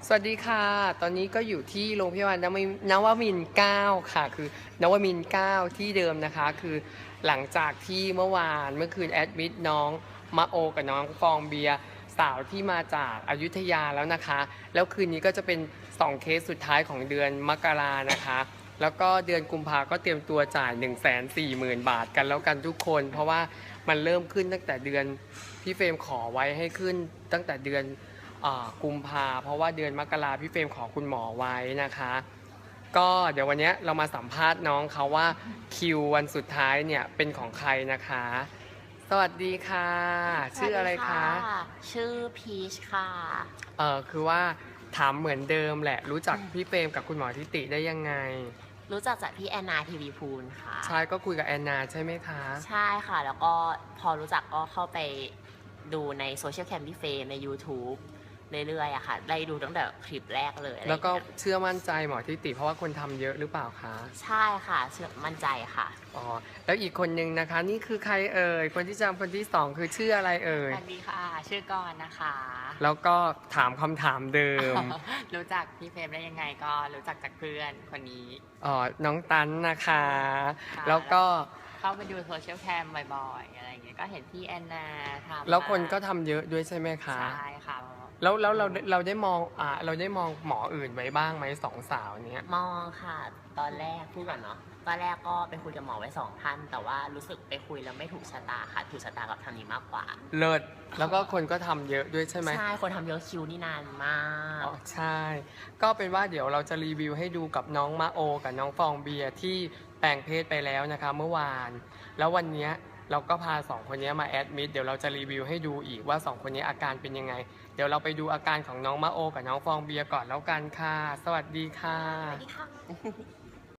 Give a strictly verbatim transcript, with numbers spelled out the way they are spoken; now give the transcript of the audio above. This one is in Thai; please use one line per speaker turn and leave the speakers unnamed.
สวัสดีค่ะ ตอนนี้ก็อยู่ที่โรงพยาบาลนวมินวมินทร์เก้าค่ะ คือนวมินทร์เก้าที่เดิมนะคะ คือหลังจากที่เมื่อวานเมื่อคืนแอดมิดน้องมะโอกับน้องฟองเบียร์สาวที่มาจากอยุธยาแล้วนะคะ แล้วคืนนี้ก็จะเป็นสองเคสสุดท้ายของเดือนมกรานะคะ แล้วก็เดือนกุมภาก็เตรียมตัวจ่าย หนึ่งแสนสี่หมื่น บาทกันแล้วกันทุกคน เพราะว่ามันเริ่มขึ้นตั้งแต่เดือนพี่เฟรมขอไว้ให้ขึ้นตั้งแต่เดือนกุมภาเพราะว่าเดือนมกราพี่เฟรมขอคุณหมอไว้นะคะก็เดี๋ยววันนี้เรามาสัมภาษณ์น้องเขาว่าคิววันสุดท้ายเนี่ยเป็นของใครนะคะสวัสดีค่ะชื่ออะไรคะ
ชื่อพีชค่ะ
เออคือว่าถามเหมือนเดิมแหละรู้จักพี่เฟรมกับคุณหมอทิติได้ยังไง
รู้จักจากพี่แอนนาทีวีพูลค่ะ
ใช่ก็คุยกับแอนนาใช่ไหมคะ
ใช่ค่ะแล้วก็พอรู้จักก็เข้าไปดูในโซเชียลแคมพี่เฟรมใน YouTube เรื่อยๆอะค่ะได้ดูตั้งแต่คลิปแรกเลย
แล้วก็เชื่อมั่นใจหมอทิติเพราะว่าคนทำเยอะหรือเปล่าคะ
ใช่ค่ะเชื่อมั่นใจค่ะ
อ๋อแล้วอีกคนนึงนะคะนี่คือใครเอ่ยคนที่จำคนที่สองคือชื่ออะไรเอ่ย
สวัสดีค่ะชื่อกรนะคะ
แล้วก็ถามคำถามเดิม
รู้จักพี่เฟรมได้ยังไงก็รู้จักจากเพื่อนคนนี้
อ๋อน้องตันนะคะ แล้วก็
เข้าไปดูโซเชียลแคมบ่อยๆอะไรอย่างเงี้ยก็เห็นพี่แอนนาทำ
แล้วคนก็ทำเยอะด้วยใช่ไหมคะ
ใช่ค่ะ
แล้วแล้วเราเราได้มองอ่าเราได้มองหมออื่นไว้บ้างไหมสองสาวเนี้ย
มองค่ะตอนแรกพูดก่อนเนาะตอนแรกก็ไปคุยกับหมอไว้สองท่านแต่ว่ารู้สึกไปคุยแล้วไม่ถูกชะตาค่ะถูกชะตากับทางนี้มากกว่า
เลิศแล้วก็คนก็ทำเยอะด้วยใช่ไหม
ใช่คนทำเยอะคิวนี่นานมาก
อ๋อใช่ก็เป็นว่าเดี๋ยวเราจะรีวิวให้ดูกับน้องมาโอกับน้องฟองเบียร์ที่แปลงเพศไปแล้วนะคะเมื่อวานแล้ววันนี้เราก็พาสองคนนี้มาแอดมิดเดี๋ยวเราจะรีวิวให้ดูอีกว่าสองคนนี้อาการเป็นยังไงเดี๋ยวเราไปดูอาการของน้องมาโอกับน้องฟองเบียร์ก่อนแล้วกันค่ะสวัสดีค่ะ
สวัสดีค่ะ